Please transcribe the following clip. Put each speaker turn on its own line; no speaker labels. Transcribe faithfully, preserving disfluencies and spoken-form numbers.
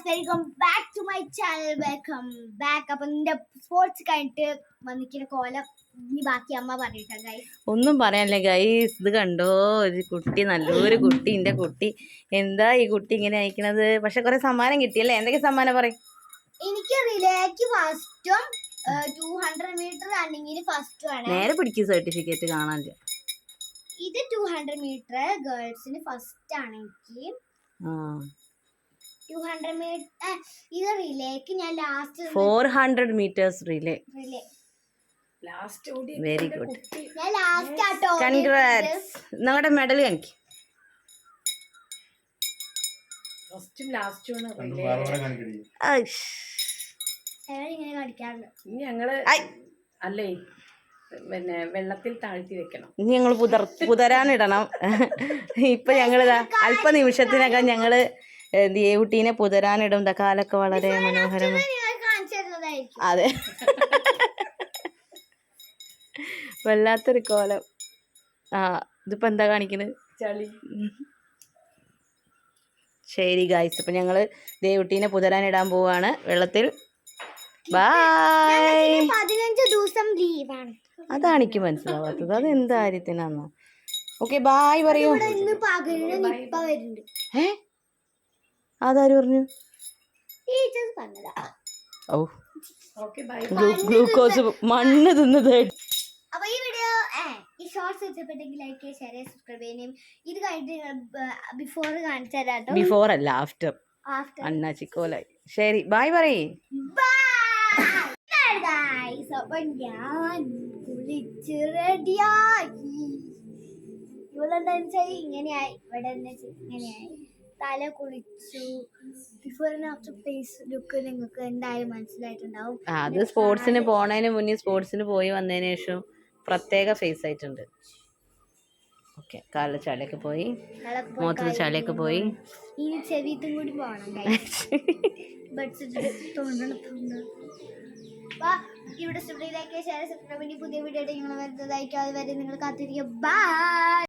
Welcome back to my channel. Welcome back. അപ്പൊ നിന്റെ sports കഴിഞ്ഞിട്ട് വന്നിക്കുന്ന കോലം ഇനി ബാക്കി അമ്മ പറഞ്ഞിട്ടാ ഗൈസ്.
ഒന്നും പറയാനില്ല ഗൈസ്. ഇത് കണ്ടോ, ഒരു കുട്ടി, നല്ലൊരു കുട്ടി, എന്റെ കുട്ടി. എന്താ ഈ കുട്ടി ഇങ്ങനെ അയക്കണത്? പക്ഷെ കുറെ സമ്മാനം കിട്ടിയല്ലേ? എന്തൊക്കെ സമ്മാനം പറയും?
എനിക്ക് റിലേക്ക് ഫസ്റ്റും ടൂ ഹൺഡ്രഡ് മീറ്റർ റണ്ണിങ്ങിന് ഫസ്റ്റും ആണ്.
നേരെ പിടിക്കും സർട്ടിഫിക്കറ്റ് കാണാൻ.
ഇത് ടൂ ഹൺഡ്രഡ് മീറ്റർ ഗേൾസിന് ഫസ്റ്റ് ആണ് എനിക്ക്. ടൂ ഹൺഡ്രഡ് മീറ്റർ ഇത് റിലേക്ക് ഞാൻ last
four hundred meters relay
relay
last ഓടി.
Very good.
ഞാൻ ലാസ്റ്റ് ആട്ടോ.
കൺഗ്രാറ്റ്സ്. നിങ്ങളുടെ മെഡൽ കാണിക്ക്.
ഫസ്റ്റും ലാസ്റ്റും
ഇങ്ങനെ കാണിക്കാറുണ്ട്.
ഇനി ഞങ്ങള് അല്ലേ പിന്നെ വെള്ളത്തിൽ താഴ്ത്തി വെക്കണം.
ഇനി ഞങ്ങൾ പുതർ പുതരാനിടണം. ഇപ്പൊ ഞങ്ങളിതാ അല്പ നിമിഷത്തിനകം ഞങ്ങള് ദേവുട്ടീനെ പുതരാനിടും. ഇതാ കാലൊക്കെ വളരെ മനോഹരമാണ്. അതെ, വല്ലാത്തൊരു കോലം. ആ ഇതിപ്പോ എന്താ കാണിക്കുന്നത്?
ചളി.
ശരി ഗായ്സ്, അപ്പൊ ഞങ്ങള് ദേവുട്ടീനെ പുതരാനിടാൻ പോവാണ് വെള്ളത്തിൽ. ബൈ.
പതിനഞ്ച് ദിവസം ലീവാണ്.
അതാണ് എനിക്ക് മനസ്സിലാവാത്തത്. അത് എന്ത് കാര്യത്തിനാന്നോ? ഓക്കെ ബായ് പറയൂ. ഏ അതാര് പറഞ്ഞു? ഓ ഗ്ലൂക്കോസ് മണ്ണ് തിന്നത്.
അപ്പൊ ഈ വീഡിയോ ഈ ഷോർട്സ് ഇഷ്ടപ്പെട്ടെങ്കിൽ ലൈക്ക് ചെയ്യുക, ഷെയർ ചെയ്യുക, സബ്സ്ക്രൈബ് ചെയ്യണം. ഇത് കഴിഞ്ഞിട്ട് ബിഫോർ കാണിച്ചു തരാട്ടോ.
ബിഫോർ അല്ല, ആഫ്റ്റർ.
ആഫ്റ്റർ
അണ്ണാ ചിക്കോലായി. ശരി ബായ് പറയേ.
അപ്പൊ ഞാൻ കുളിച്ച് റെഡിയായി. ഇവിടെ എന്താന്ന് വെച്ചാൽ ഇങ്ങനെയായി. ഇവിടെ എന്താ വെച്ചാൽ ഇങ്ങനെയായി. തല കുളിച്ചു. Before and after face look നിങ്ങൾക്ക് എന്തായാലും മനസ്സിലായിട്ടുണ്ടാവും.
അത് സ്പോർട്സിന് പോണതിന് മുന്നേ, സ്പോർട്സിന് പോയി വന്നതിന് ശേഷം പ്രത്യേക ഫേസ് ആയിട്ടുണ്ട്. ഓക്കെ, കാലിൽ ചളിയൊക്കെ പോയി, മുഖത്ത് ചളിയൊക്കെ പോയി.
ഇനി ചെവിത്തും കൂടി പോകണം. ഇവിടെ സ്റ്റുഡിയോയിലേക്ക് ഷെയർ സബ്സ്ക്രൈബ് പുതിയ വീഡിയോ നിങ്ങൾ വരുന്നതായിരിക്കും. അതുവരെ നിങ്ങൾ കാത്തിരിക്കുക. ബൈ.